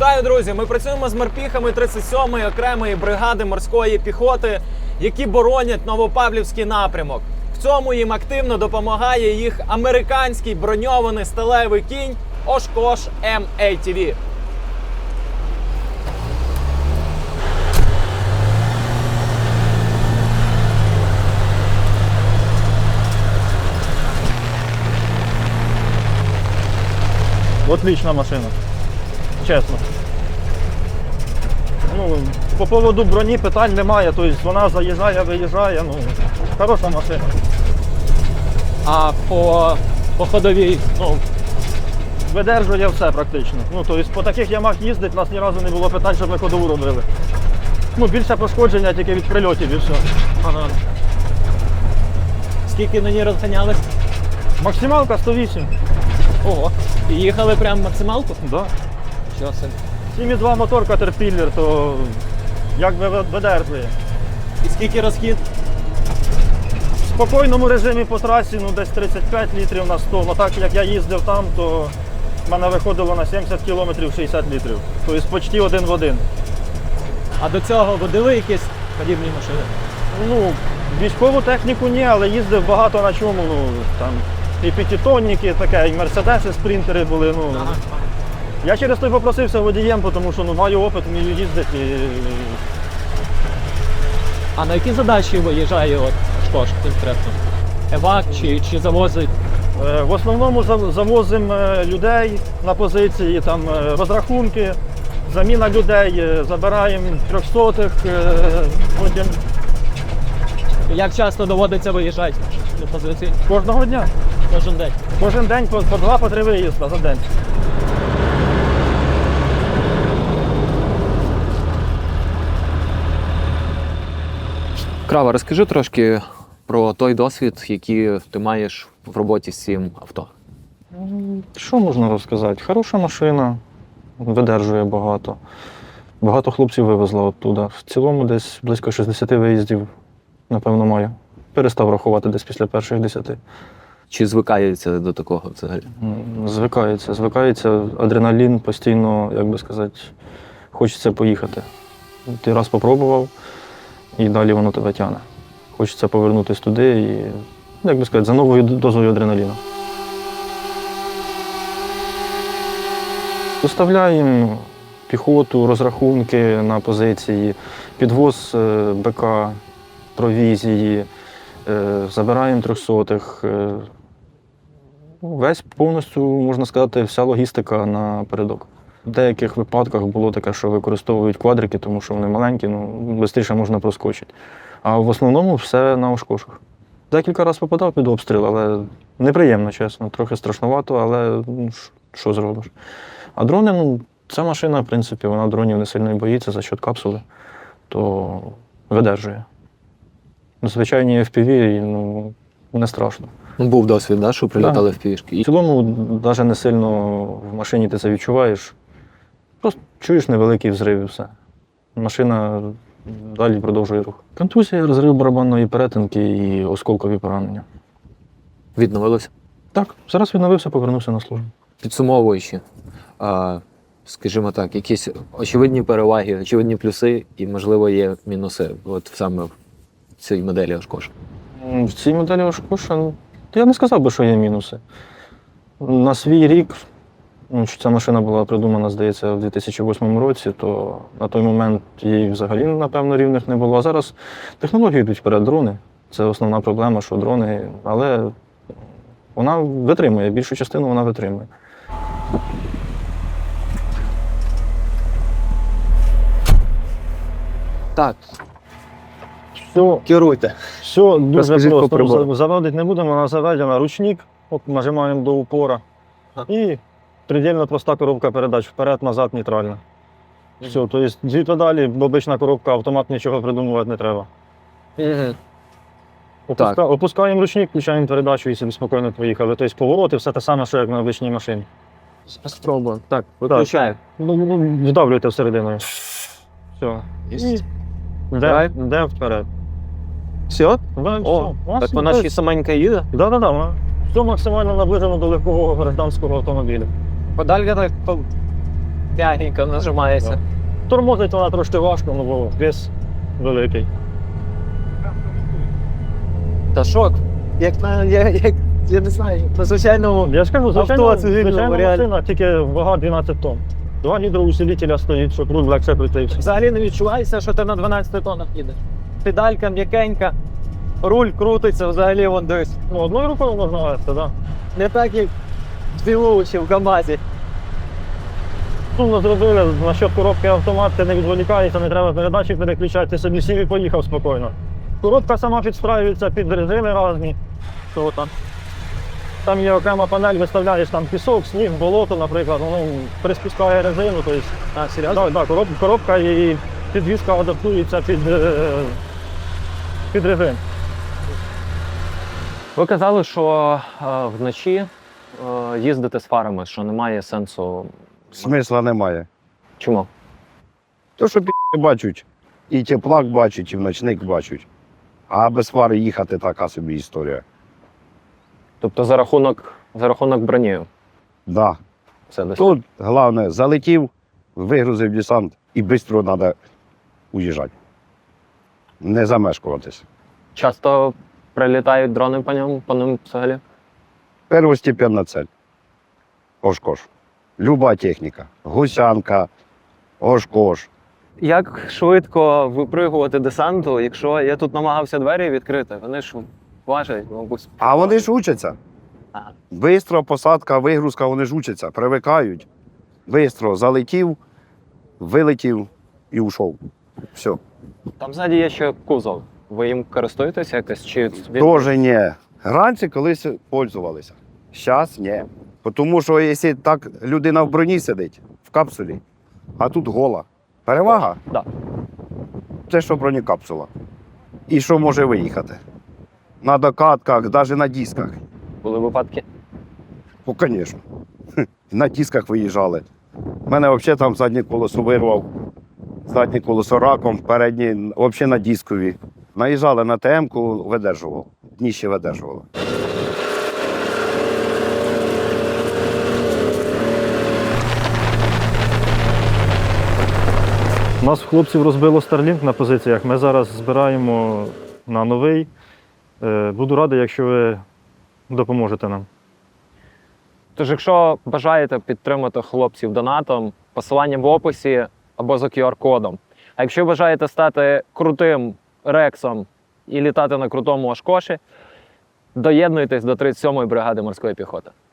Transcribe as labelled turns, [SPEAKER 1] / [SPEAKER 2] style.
[SPEAKER 1] Вітаю, друзі! Ми працюємо з морпіхами 37-ї окремої бригади морської піхоти, які боронять Новопавлівський напрямок. В цьому їм активно допомагає їх американський броньований сталевий кінь Oshkosh M-ATV.
[SPEAKER 2] Отлична машина, чесно. По поводу броні питань немає, тобто вона заїжджає, виїжджає, хороша машина.
[SPEAKER 1] А по ходовій?
[SPEAKER 2] Видержує все практично. Тобто по таких ямах їздить, у нас ні разу не було питань, щоб ми ходову робили. Більше пошкодження тільки від прильотів і все.
[SPEAKER 1] Ага. Скільки на ній розганялись?
[SPEAKER 2] Максималка 108.
[SPEAKER 1] Ого. І їхали прямо максималку?
[SPEAKER 2] Да.
[SPEAKER 1] Що це?
[SPEAKER 2] 7,2 мотор Caterpillar, то якби видержує.
[SPEAKER 1] І скільки розхід?
[SPEAKER 2] В спокійному режимі по трасі десь 35 літрів на 100. Так як я їздив там, то в мене виходило на 70 кілометрів 60 літрів. Тобто почти один в один.
[SPEAKER 1] А до цього водили якісь подібні машини?
[SPEAKER 2] Військову техніку ні, але їздив багато на чому. Там і п'ятитонники, таке, і мерседеси, спринтери були.
[SPEAKER 1] Ага.
[SPEAKER 2] Я через той попросився водієм, тому що маю опит, вмію їздити.
[SPEAKER 1] А на які задачі виїжджає Oshkosh конкретно? Евак чи завозить?
[SPEAKER 2] В основному завозимо людей на позиції, там розрахунки, заміна людей, забираємо 300-х, потім.
[SPEAKER 1] Як часто доводиться виїжджати на позиції?
[SPEAKER 2] Кожного дня.
[SPEAKER 1] Кожен день?
[SPEAKER 2] Кожен день по 2-3 виїзди за день.
[SPEAKER 3] Крава, розкажи трошки про той досвід, який ти маєш в роботі з цим авто.
[SPEAKER 2] Що можна розказати? Хороша машина, видержує багато. Багато хлопців вивезла оттуда. В цілому десь близько 60 виїздів, напевно, маю. Перестав рахувати десь після перших 10.
[SPEAKER 3] Чи звикається до такого взагалі?
[SPEAKER 2] Звикається адреналін постійно, як би сказати, хочеться поїхати. Ти раз попробував, і далі воно тебе тягне. Хочеться повернутися туди і, як би сказати, за новою дозою адреналіну. Доставляємо піхоту, розрахунки на позиції, підвоз БК, провізії, забираємо 300-х. Весь повністю, можна сказати, вся логістика напередок. В деяких випадках було таке, що використовують квадрики, тому що вони маленькі, швидше можна проскочити. А в основному все на Ошкошах. Декілька разів попадав під обстріл, але неприємно, чесно. Трохи страшновато, але що зробиш. А дрони, ця машина, в принципі, вона дронів не сильно боїться за счет капсули, то видержує. Звичайні FPV, не страшно.
[SPEAKER 3] Був досвід, да, що прилітали в пішки?
[SPEAKER 2] В цілому, навіть не сильно в машині ти це відчуваєш. Просто чуєш невеликий взрив і все. Машина далі продовжує рух. Контузія, розрив барабанної перетинки і осколкові поранення.
[SPEAKER 3] Відновилося?
[SPEAKER 2] Так, зараз відновився, повернувся на службу.
[SPEAKER 3] Підсумовуючи, скажімо так, якісь очевидні переваги, очевидні плюси і, можливо, є мінуси саме в цій моделі Oshkosh?
[SPEAKER 2] В цій моделі Oshkosh, я не сказав би, що є мінуси. На свій рік, ця машина була придумана, здається, в 2008 році, то на той момент їй взагалі, напевно, рівних не було. А зараз технології йдуть вперед, дрони. Це основна проблема, що дрони, але вона витримує, більшу частину вона витримує.
[SPEAKER 3] Так,
[SPEAKER 2] Все,
[SPEAKER 3] керуйте.
[SPEAKER 2] все дуже
[SPEAKER 3] Розкажіть по
[SPEAKER 2] просто.
[SPEAKER 3] прибору.
[SPEAKER 2] Заводити не будемо, вона заведена ручник, нажимаємо до упора. І предельно проста коробка передач, вперед-назад, нейтральна. Все, тобто дві педалі, обична коробка, автомат нічого придумувати не треба. Опускаємо ручник, включаємо передачу і собі спокійно поїхали. Тобто повороти, все те саме, що як на обичній машині.
[SPEAKER 3] Спробуємо. Так, виключаю.
[SPEAKER 2] Вдавлюйте всередину. Все. Де вперед.
[SPEAKER 3] Все?
[SPEAKER 2] О,
[SPEAKER 3] так вона ще саменька їде?
[SPEAKER 2] Так. Все максимально наближено до легкого гражданського автомобіля.
[SPEAKER 1] Подалька так М'ягенько нажимається.
[SPEAKER 2] Тормозить вона трошки важко, ну бо вес великий.
[SPEAKER 1] Та шок. Я не знаю, на звичайному.
[SPEAKER 2] Я ж кажу, звичайно,
[SPEAKER 1] цивільного
[SPEAKER 2] звичайна
[SPEAKER 1] реально.
[SPEAKER 2] машина, тільки вага 12 тонн. 2 гідроусилителя стоїть, щоб руль легше крутився.
[SPEAKER 1] Взагалі не відчувається, що ти на 12 тоннах їдеш. Педалька м'якенька, руль крутиться, взагалі вон десь.
[SPEAKER 2] Ну, одною рукою можна вести, так. Да.
[SPEAKER 1] Не так, як дві вулиці в КАМАЗі.
[SPEAKER 2] Сумно зробили, насчет коробки автомат, ти не відволікаєшся, не треба передачі переключати, ти собі сів і поїхав спокійно. Коробка сама підстраюється під режими різні.
[SPEAKER 1] Що там?
[SPEAKER 2] Там є окрема панель, виставляєш там пісок, сніг, болото, наприклад, воно приспускає резину. Тобто,
[SPEAKER 1] Серйозно?
[SPEAKER 2] коробка і підвізка адаптується під режим.
[SPEAKER 4] Ви казали, що вночі їздите з фарами, що немає сенсу.
[SPEAKER 5] Смисла немає.
[SPEAKER 4] Чому?
[SPEAKER 5] То, що бачать, і теплак бачать, і в ночник бачать. А без фари їхати така собі історія.
[SPEAKER 4] Тобто за рахунок броні.
[SPEAKER 5] Да.
[SPEAKER 4] Все десь.
[SPEAKER 5] Тут головне, залетів, вигрузив десант і швидко треба уїжджати. Не замешкуватись.
[SPEAKER 4] Часто прилітають дрони по ним взагалі.
[SPEAKER 5] Первостепенна цель. Ошкош. Люба техніка. Гусянка, ошкош.
[SPEAKER 4] Як швидко випригувати десанту, якщо я тут намагався двері відкрити, вони ж важать, мабуть.
[SPEAKER 5] А вони ж учаться.
[SPEAKER 4] Ага.
[SPEAKER 5] Бистро, посадка, вигрузка, вони ж учаться, привикають. Бистро залетів, вилетів і ушов. Все.
[SPEAKER 4] Там ззаді є ще кузов. Ви їм користуєтесь якось? Чи
[SPEAKER 5] Тоже ні. Раніше колись пользувалися. Зараз ні. Тому що якщо так людина в броні сидить, в капсулі, а тут гола. Перевага?
[SPEAKER 4] Да.
[SPEAKER 5] Це що бронекапсула. І що може виїхати? На докатках, навіть на дисках.
[SPEAKER 4] були випадки?
[SPEAKER 5] Ну, звісно. На дисках виїжджали. У мене взагалі там заднє колесо вирвав, заднє колесо раком, переднє взагалі на дискові. Наїжджали на ТМ-ку, видержував. Дніще видержувало.
[SPEAKER 2] У нас хлопців розбило Starlink на позиціях. Ми зараз збираємо на новий. Буду радий, якщо ви допоможете нам.
[SPEAKER 4] Тож, якщо бажаєте підтримати хлопців донатом, посилання в описі або за QR-кодом. А якщо бажаєте стати крутим рексом і літати на крутому Ошкоші, доєднуйтесь до 37-ї бригади морської піхоти.